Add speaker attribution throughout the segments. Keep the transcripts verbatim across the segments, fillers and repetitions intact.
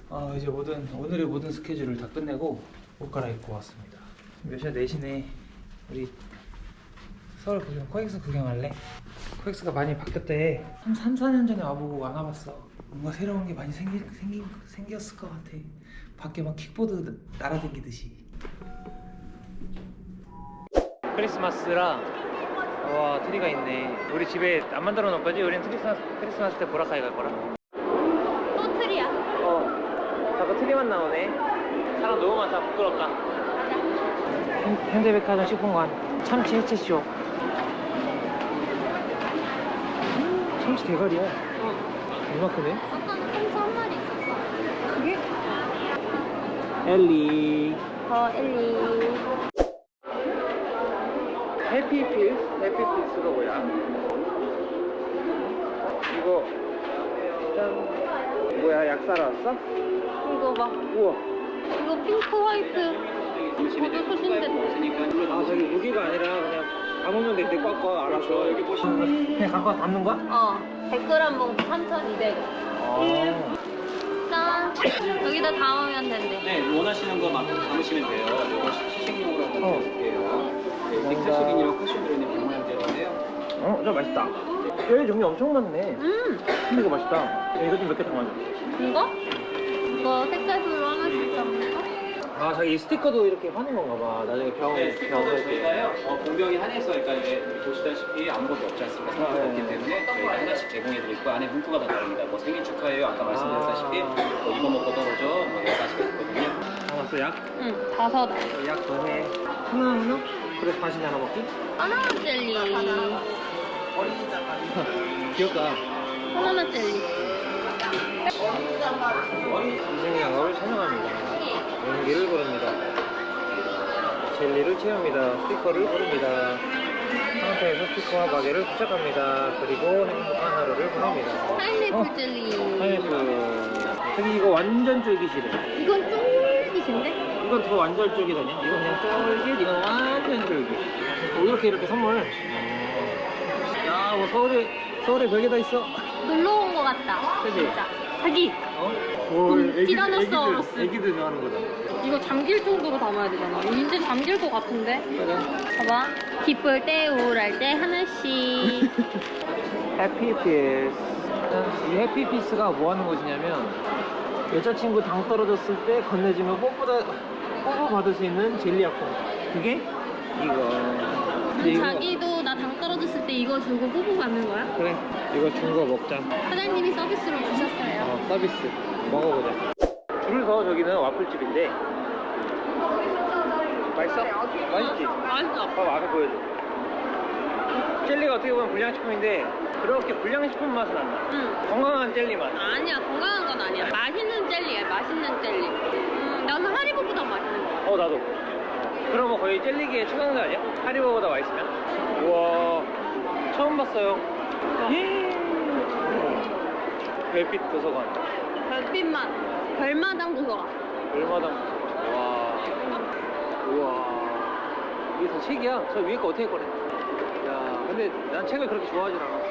Speaker 1: 어, 이제 모든 오늘의 모든 스케줄을 다 끝내고 옷 갈아입고 왔습니다. 몇 시야? 네 시네. 우리 서울 구경, 코엑스 구경할래? 코엑스가 많이 바뀌었대. 한 삼, 사 년 전에 와보고 안 와봤어. 뭔가 새로운 게 많이 생기, 생기, 생겼을 것 같아. 밖에 막 킥보드 날아다니듯이. 크리스마스라 와 트리가 있네. 우리 집에 안 만들어 놓을 거지? 우리는 크리스마스, 크리스마스 때 보라카이 갈 거라.
Speaker 2: 또 틀이야.
Speaker 1: 어 자꾸 트리만 나오네. 사람 너무 많다. 부끄럽다. 현- 현대백화점 식품관 참치 해체쇼. 참치 대가리야.
Speaker 2: 어.
Speaker 1: 이만큼네.
Speaker 2: 아까는 참치 한 마리 있었어. 그게?
Speaker 1: 엘리.
Speaker 2: 어, 엘리.
Speaker 1: 해피필스? 해피필스가 뭐야? 이거 짠. 뭐야, 약 사러 왔어?
Speaker 2: 이거 봐.
Speaker 1: 우와.
Speaker 2: 이거 핑크 화이트. 모두 소진됐대.
Speaker 1: 아 저기 무기가 아니라 그냥 담으면 돼. 꽉꽉 알아서 여기 보시면 그냥 갖고 와서 담는 거야?
Speaker 2: 어. 백 그램 봉투 삼천이백 원.
Speaker 1: 아.
Speaker 2: 짠. 여기다 담으면 된대.
Speaker 3: 네, 원하시는 것만큼 담으시면 돼요. 이거 시식용으로 한번
Speaker 1: 어.
Speaker 3: 드릴게요. 네, 넥타식인이랑 쿠션 들어있는 병만제인데요.
Speaker 1: 어, 저 맛있다. 뼈의 종류 엄청 많네.
Speaker 2: 음.
Speaker 1: 근데 이거 맛있다. 야, 이거 좀 몇 개 담아줘.
Speaker 2: 이거? 이거 색깔별로 하나씩 담을까?
Speaker 1: 아, 자기 이 스티커도 이렇게 하는 건가 봐. 나중에 병,
Speaker 3: 네, 스티커도
Speaker 1: 병을
Speaker 3: 저희가요, 어, 공병이 한해서, 그러니까 이제 보시다시피 아무것도 없지 않습니까?
Speaker 1: 아,
Speaker 3: 생각이
Speaker 1: 네.
Speaker 3: 없기 때문에 저희가 하나씩 제공해드리고 안에 문구가 다 다릅니다. 뭐 생일 축하해요, 아까 말씀드렸다시피 뭐 이거 먹고 떨어져, 뭐 여러 가지가 있거든요.
Speaker 1: 담았어, 약?
Speaker 2: 응. 다섯.
Speaker 1: 약 더해. 하나, 하나? 그래서 반씩 나눠 먹기?
Speaker 2: 바나나 젤리.
Speaker 1: 귀엽다.
Speaker 2: 바나나 젤리.
Speaker 1: 인생의 영업을 찬양합니다. 용기를 고릅니다. 젤리를 채웁니다. 스티커를 고릅니다. 상태에서 스티커와 마개를 부착합니다. 그리고 행복한 하루를 보냅니다.
Speaker 2: 파인애플
Speaker 1: 어.
Speaker 2: 젤리.
Speaker 1: 파인애플. 저기 이거 완전 쫄깃이래.
Speaker 2: 이건 쫄깃인데?
Speaker 1: 이건 더 완전 쫄깃하냐? 이건 그냥 쫄깃, 이건 완전 쫄깃. 어, 이렇게 이렇게 선물. 야, 뭐 서울에 서울에 별게 다 있어.
Speaker 2: 놀러 온 거 같다.
Speaker 1: 그지?
Speaker 2: 진짜. 자기.
Speaker 1: 어?
Speaker 2: 음,
Speaker 1: 애기들,
Speaker 2: 티라노사우루스.
Speaker 1: 애기들, 애기들 좋아하는 거다.
Speaker 2: 이거 잠길 정도로 담아야 되잖아. 이제 잠길 것 같은데?
Speaker 1: 그래.
Speaker 2: 봐봐. 기쁠 때, 우울할 때 하나씩.
Speaker 1: 해피피스. 이 해피피스가 뭐 하는 곳이냐면 여자친구 당 떨어졌을 때 건네주면 뽀뽀다 뽀뽀 받을 수 있는 젤리 약품. 그게 이거. 근데 이거-
Speaker 2: 자기도 나 당 떨어졌을 때 이거 주고 뽀뽀 받는 거야?
Speaker 1: 그래. 이거 준 거 먹자.
Speaker 2: 사장님이 서비스로 주셨어요.
Speaker 1: 어, 서비스. 먹어보자. 줄 서 저기는 와플집인데. 맛있어? 맛있지?
Speaker 2: 맛있어.
Speaker 1: 봐봐, 앞에 보여줘. 젤리가 어떻게 보면 불량식품인데 그렇게 불량식품 맛은 안 나.
Speaker 2: 응.
Speaker 1: 건강한 젤리 맛.
Speaker 2: 아니야, 건강한 건 아니야. 맛있는 젤리야, 맛있는 젤리. 음, 나는 하리보보다 맛있는 거 같아.
Speaker 1: 어, 나도. 그럼 뭐 거의 젤리계의 최강자 아니야? 하리보보다 맛있으면? 우와, 처음 봤어요. 예. 별빛 도서관.
Speaker 2: 별빛맛. 별마당 도서관.
Speaker 1: 얼마당. 와. 우와. 이게 다 책이야? 저 위에 거 어떻게 꺼내? 야, 근데 난 책을 그렇게 좋아하진 않아.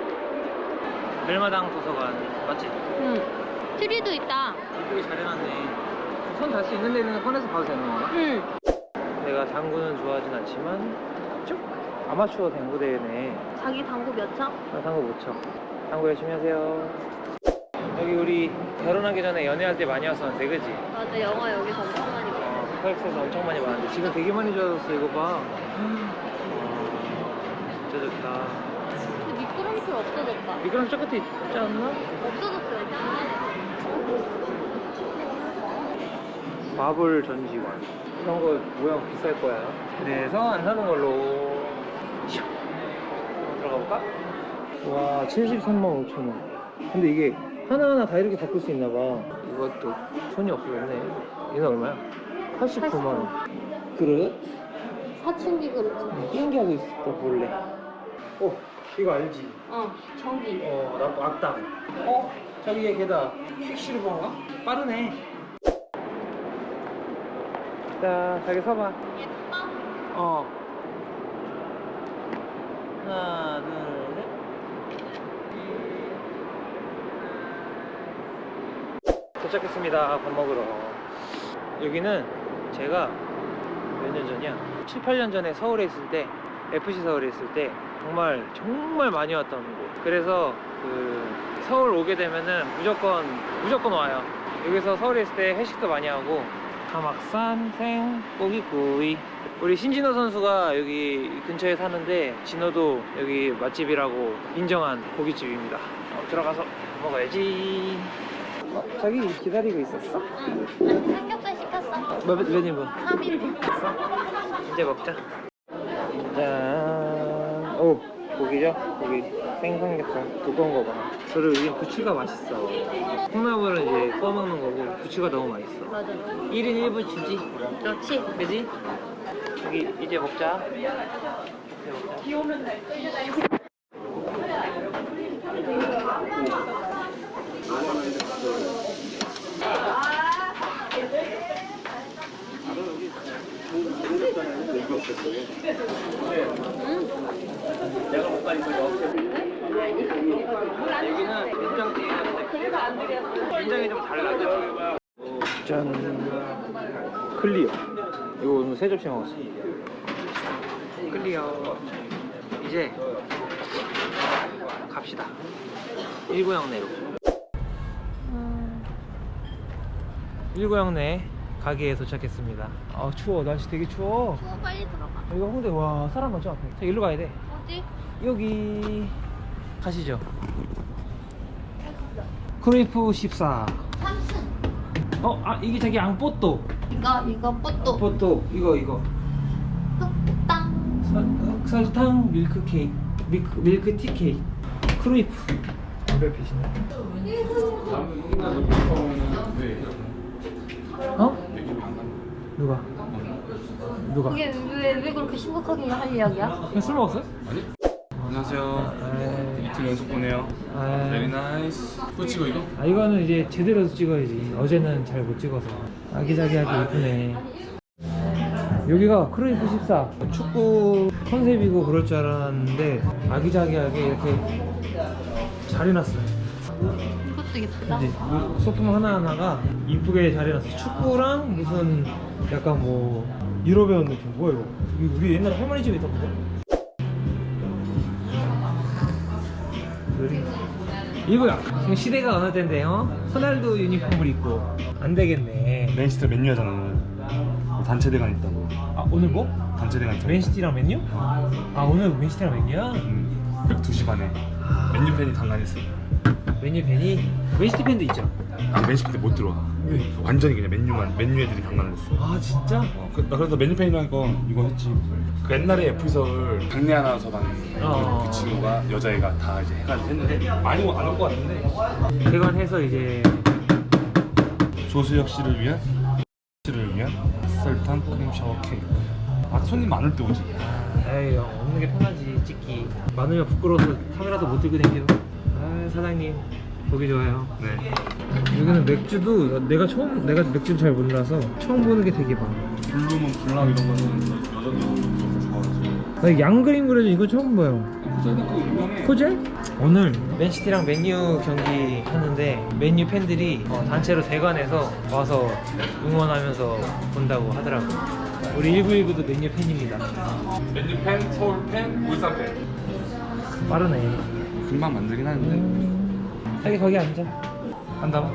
Speaker 1: 별마당 도서관. 맞지?
Speaker 2: 응. 트리도 있다.
Speaker 1: 이쁘게 잘 해놨네. 손 닿을 수 있는 데는 꺼내서 봐도 되는 건가?
Speaker 2: 응.
Speaker 1: 내가 당구는 좋아하진 않지만 쭉 아마추어 당구 대회네.
Speaker 2: 자기 당구 몇 차?
Speaker 1: 나 당구 못 쳐. 당구 열심히 하세요. 여기 우리 결혼하기 전에 연애할 때 많이 왔었는데, 그지?
Speaker 2: 맞아, 영화 여기서 엄청 많이 봐.
Speaker 1: 어, 코엑스에서 엄청 많이 봤는데 지금 되게 많이 좋아졌어. 이거 봐. 와, 진짜 좋다.
Speaker 2: 근데 미끄럼틀 없어졌다.
Speaker 1: 미끄럼 저 끝에 있지 않나?
Speaker 2: 없어졌어요, 작년에.
Speaker 1: 마블 전시관. 이런 거 모양 비쌀 거야. 그래서 안 사는 걸로. 슉. 들어가 볼까? 와, 칠십삼만 오천 원. 근데 이게 하나하나 다 이렇게 바꿀 수 있나 봐. 이것도 손이 없어졌네. 이거 얼마야? 팔십구만 원. 그릇?
Speaker 2: 사춘기 그렇지.
Speaker 1: 신기하고 있었다 볼래. 어, 이거 알지?
Speaker 2: 어, 저기.
Speaker 1: 어, 나 악당. 어? 저기에 걔다. 퀵실버인가? 빠르네. 자, 자기 서봐.
Speaker 2: 예뻐?
Speaker 1: 어. 하나, 둘, 셋. 도착했습니다. 밥 먹으러. 여기는 제가 몇 년 전이야? 칠, 팔 년 전에 서울에 있을 때, 에프씨 서울에 있을 때 정말 정말 많이 왔던 곳. 그래서 그 서울 오게 되면은 무조건 무조건 와요. 여기서 서울에 있을 때 회식도 많이 하고, 가막산 생고기구이. 우리 신진호 선수가 여기 근처에 사는데 진호도 여기 맛집이라고 인정한 고깃집입니다. 어, 들어가서 먹어야지. 어, 자기 기다리고 있었어?
Speaker 2: 응. 삼겹살 시켰어.
Speaker 1: 몇, 몇 인분?
Speaker 2: 삼 인분.
Speaker 1: 이제 먹자. 짠. 오, 고기죠? 고기. 생삼겹살. 두꺼운 거 봐. 그리고 여기 부추가 맛있어. 콩나물은 이제 구워 먹는 거고, 부추가 너무 맛있어.
Speaker 2: 맞아.
Speaker 1: 일 인 일 분 주지.
Speaker 2: 그렇지.
Speaker 1: 그지? 여기 이제 먹자. 이제 먹자.
Speaker 3: 내가 못 가니까
Speaker 1: 여기는 된장찌개인데 된장이 좀 달라. 짠. 클리어. 이거 오늘 세 접시 먹었어. 클리어. 이제 갑시다. 일고양내로. 일고양내 가게에 도착했습니다. 아 추워. 날씨 되게 추워.
Speaker 2: 추워 빨리 들어가.
Speaker 1: 여기가 홍대. 와 사람 많죠 앞에. 자, 일로 가야 돼.
Speaker 2: 어디?
Speaker 1: 여기 가시죠. 크레이프 십사.
Speaker 2: 삼층.
Speaker 1: 어? 아 이게 자기 앙뽀또.
Speaker 2: 이거 이거 뽀또.
Speaker 1: 뽀또 이거 이거
Speaker 2: 흑당.
Speaker 1: 설- 설탕 밀크 케이크 밀크, 밀크 티 케이크. 크레이프 담배피시네. 어? 누가? 누가?
Speaker 2: 그게 왜 왜 그렇게 심각하게 할 이야기야?
Speaker 1: 그냥 술 먹었어요?
Speaker 4: 안녕하세요.
Speaker 1: 에이,
Speaker 4: 이틀 연속 보네요.
Speaker 1: 에이.
Speaker 4: Very nice. 또 찍어 이거?
Speaker 1: 아 이거는 이제 제대로 찍어야지. 어제는 잘 못 찍어서. 아기자기하게 예쁘네. 여기가 크레이프 십사. 축구 컨셉이고 그럴 줄 알았는데 아기자기하게 이렇게 잘 해놨어요.
Speaker 2: 이것도 예쁘다.
Speaker 1: 이제 소품 하나하나가 이쁘게 잘 해놨어요. 축구랑 무슨 약간 뭐 유럽에 온 느낌. 뭐야 이거? 이거 우리 옛날에 할머니 집에 있던 건데? 그림. 이거야. 지금 시대가 어느 때인데 어? 호날두 유니폼을 입고 안 되겠네.
Speaker 4: 맨시티 맨유하잖아 오늘. 단체 대관 있다고.
Speaker 1: 아 오늘 뭐?
Speaker 4: 단체 대관 있다고.
Speaker 1: 맨시티랑 맨유? 아 오늘 맨시티랑 맨유야?
Speaker 4: 음, 그 두 시 반에 맨유 팬이 강간했어.
Speaker 1: 맨유 팬이? 맨시티 팬도 있죠?
Speaker 4: 아 맨시티 때 못 들어와.
Speaker 1: 왜?
Speaker 4: 완전히 그냥 맨유만 맨유 애들이 강간을 했어.
Speaker 1: 아 진짜?
Speaker 4: 어, 그, 나 그래서 맨유 팬이라니까 이거 했지. 그 옛날에 에프씨 서울 강내 아나운서반
Speaker 1: 어.
Speaker 4: 그 친구가 여자애가 다 이제 해가지고 했는데 많이 안 올 것 같은데.
Speaker 1: 개관해서 이제
Speaker 4: 조수혁 씨를 위한 씨를 위한 설탕 크림 샤워 케이크. 아 손님 많을 때 오지.
Speaker 1: 에이 없는 게 편하지 찍기. 많으면 부끄러워서 카메라도 못 들고 다녀. 아 사장님 보기 좋아요.
Speaker 4: 네.
Speaker 1: 여기는 맥주도 내가 처음 내가 맥주를 잘 몰라서 처음 보는 게 되게 많아.
Speaker 4: 블루문 블랑 이런 거는 여자들이 너무 좋아하지.
Speaker 1: 나 양그림 그려져 이거 처음 봐요.
Speaker 4: 코젤도 그거 유명해.
Speaker 1: 코젤? 오늘 맨시티랑 맨유 경기 하는데 맨유 팬들이 어, 단체로 대관해서 와서 응원하면서 본다고 하더라고. 우리 일구일구도 맨유 팬입니다.
Speaker 4: 맨유 팬, 서울 팬, 울산 팬.
Speaker 1: 빠르네.
Speaker 4: 금방 만들긴 하는데.
Speaker 1: 음, 자기 거기 앉아. 간다.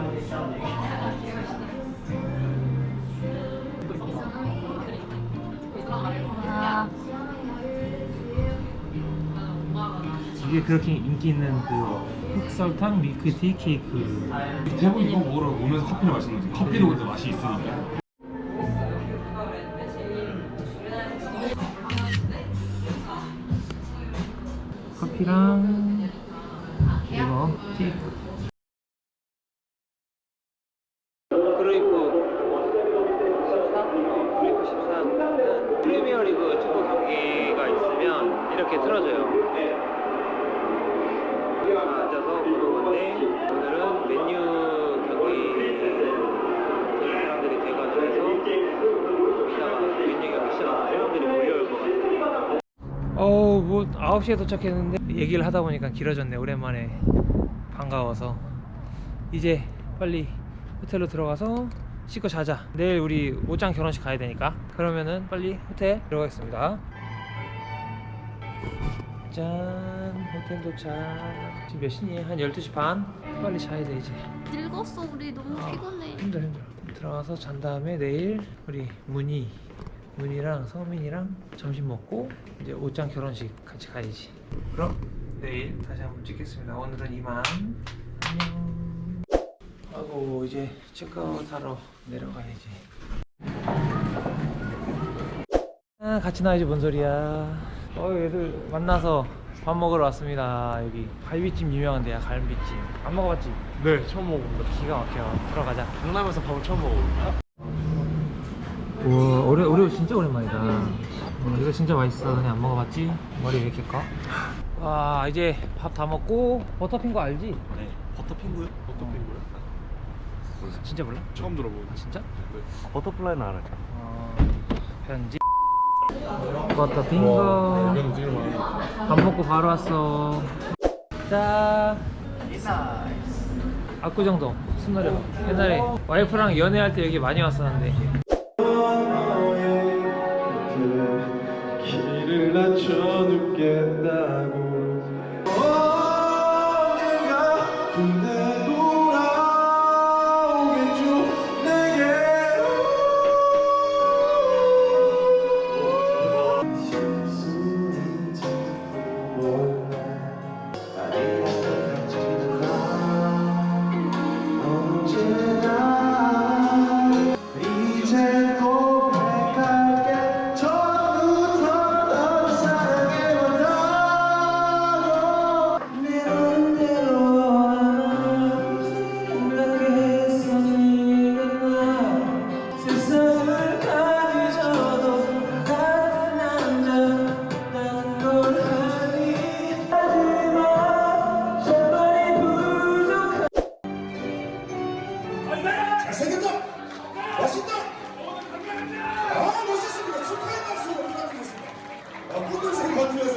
Speaker 2: 아,
Speaker 1: 이게 그렇게 인기 있는 그 흑설탕 밀크티 케이크.
Speaker 4: 대부분 이거 먹으러 오면서 커피를 마시는 거지. 커피도 근데 맛이 있으니까.
Speaker 1: 커피랑 이거 티. 그레이프 십사? 어, 그레이프 십사는 프리미어리그 축구 경기가 있으면 이렇게 틀어줘요. 앉아서 보는 건데 오늘은 맨유 경기 사람들이 대관을 해서 이따가 맨유 경기 시작하면 사람들이 몰려올 것 같아요. 어우 뭐 아홉 시에 도착했는데 얘기를 하다 보니까 길어졌네. 오랜만에 반가워서 이제 빨리 호텔로 들어가서 씻고 자자. 내일 우리 옷장 결혼식 가야 되니까. 그러면은 빨리 호텔 들어가겠습니다. 짠, 호텔 도착. 지금 몇 시니? 한 열두 시 반? 빨리 자야 돼 이제.
Speaker 2: 늙었어 우리 너무
Speaker 1: 아,
Speaker 2: 피곤해.
Speaker 1: 힘들어 힘들어. 들어가서 잔 다음에 내일 우리 문희 문희랑 성민이랑 점심 먹고 이제 옷장 결혼식 같이 가야지. 그럼 내일 다시 한번 찍겠습니다. 오늘은 이만. 안녕. 하고 이제 체크아웃 하러 내려가야지. 아, 같이 나야지 뭔 소리야. 어, 얘들 만나서 밥 먹으러 왔습니다. 여기 갈비찜 유명한 데야. 갈비찜 안 먹어봤지?
Speaker 4: 네, 처음 먹어봅니다.
Speaker 1: 기가 막혀. 들어가자.
Speaker 4: 강남에서 밥을 처음 먹어봅니다.
Speaker 1: 우와, 오레, 오레오 진짜 오랜만이다. 어, 이거 진짜 맛있어. 너네 안 먹어봤지? 머리 왜 이렇게 커? 와, 이제 밥 다 먹고 버터핑거 알지?
Speaker 4: 네. 버터핑구요? 버터핑구요?
Speaker 1: 진짜 몰라?
Speaker 4: 처음 들어보는.
Speaker 1: 아, 진짜?
Speaker 4: 네. 버터플라이는 알아요.
Speaker 1: 어, 편지 버터핑거.
Speaker 4: 이건 되게 많아요.
Speaker 1: 밥 먹고 바로 왔어. 자, 압구정동 순노령. 옛날에 와이프랑 연애할 때 여기 많이 왔었는데.
Speaker 5: 길을 낮춰 눕겠다고 언젠가 군대 돌아오겠죠 내게로 실수인지 몰라 아직까지는 언제나 이제 고백할게 처음부터 널 사랑해봤다고 내 맘대로 생각해서 네가 나 세상을 가지셔도 같은 남자 나는 걸 하니 하지마 제발이 부족한
Speaker 6: 잘생겼다! 멋있다! 아, 멋있습니다. 축하의 박수 부탁드리겠습니다. 아, 분들생 같으면서.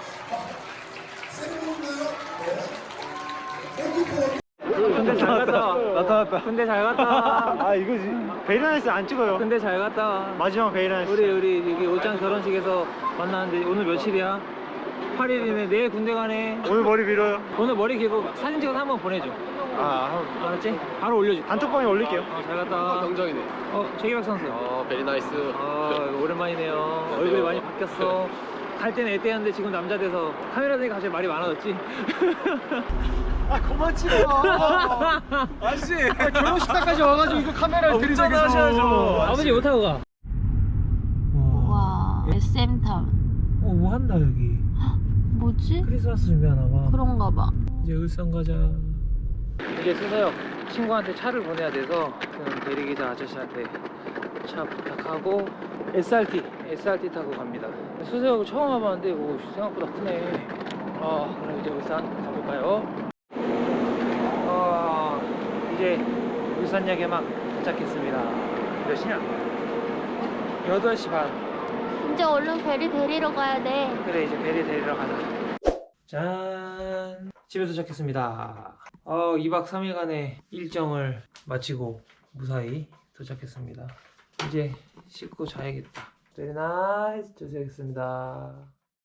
Speaker 6: 새로운데요? 네. 땡큐.
Speaker 1: 근데 잘 갔다. 나타났다. 근데 잘 갔다.
Speaker 7: 아 이거지 베리나이스 안 찍어요.
Speaker 1: 근데 잘 갔다.
Speaker 7: 마지막 베리나이스.
Speaker 1: 우리 우리 여기 옷장 결혼식에서 만났는데 오늘 며칠이야? 팔 일이네. 내일 군대 가네.
Speaker 7: 오늘 머리 밀어요.
Speaker 1: 오늘 머리 길고 사진 찍어서 한번 보내줘.
Speaker 7: 아
Speaker 1: 알았지? 바로 올려줘.
Speaker 7: 단톡방에 올릴게요.
Speaker 1: 어, 잘 갔다.
Speaker 3: 정정이네.
Speaker 1: 어, 최기박 선수.
Speaker 3: 어, 베리 나이스.
Speaker 1: 아, 오랜만이네요. 얼굴이 많이 바뀌었어. 갈 때는 애때였는데 지금 남자 돼서 카메라 대니까 갑자기 말이 많아졌지?
Speaker 7: 아 그만 찍어. 아저씨 결혼식장까지 와가지고 이거 카메라를 들이대서
Speaker 1: 아버지 못 타고 가.
Speaker 2: 와 에스엠타운.
Speaker 1: 어, 뭐 한다 여기.
Speaker 2: 뭐지?
Speaker 1: 크리스마스 준비하나 봐.
Speaker 2: 그런가 봐.
Speaker 1: 이제 울산 가자. 이제 수서역 친구한테 차를 보내야 돼서 그 대리기사 아저씨한테 차 부탁하고 에스알티 에스알티 타고 갑니다. 수서역을 처음 와봤는데 오, 생각보다 크네. 아, 그럼 이제 울산 가볼까요? 아, 이제 울산역에 막 도착했습니다. 몇 시냐? 여덟 시 반.
Speaker 2: 이제 얼른 베리 데리러 가야 돼.
Speaker 1: 그래, 이제 베리 데리러 가자. 짠, 집에 도착했습니다. 어, 이 박 삼 일간의 일정을 마치고 무사히 도착했습니다. 이제 씻고 자야겠다. 베리 나이스. 도착했습니다.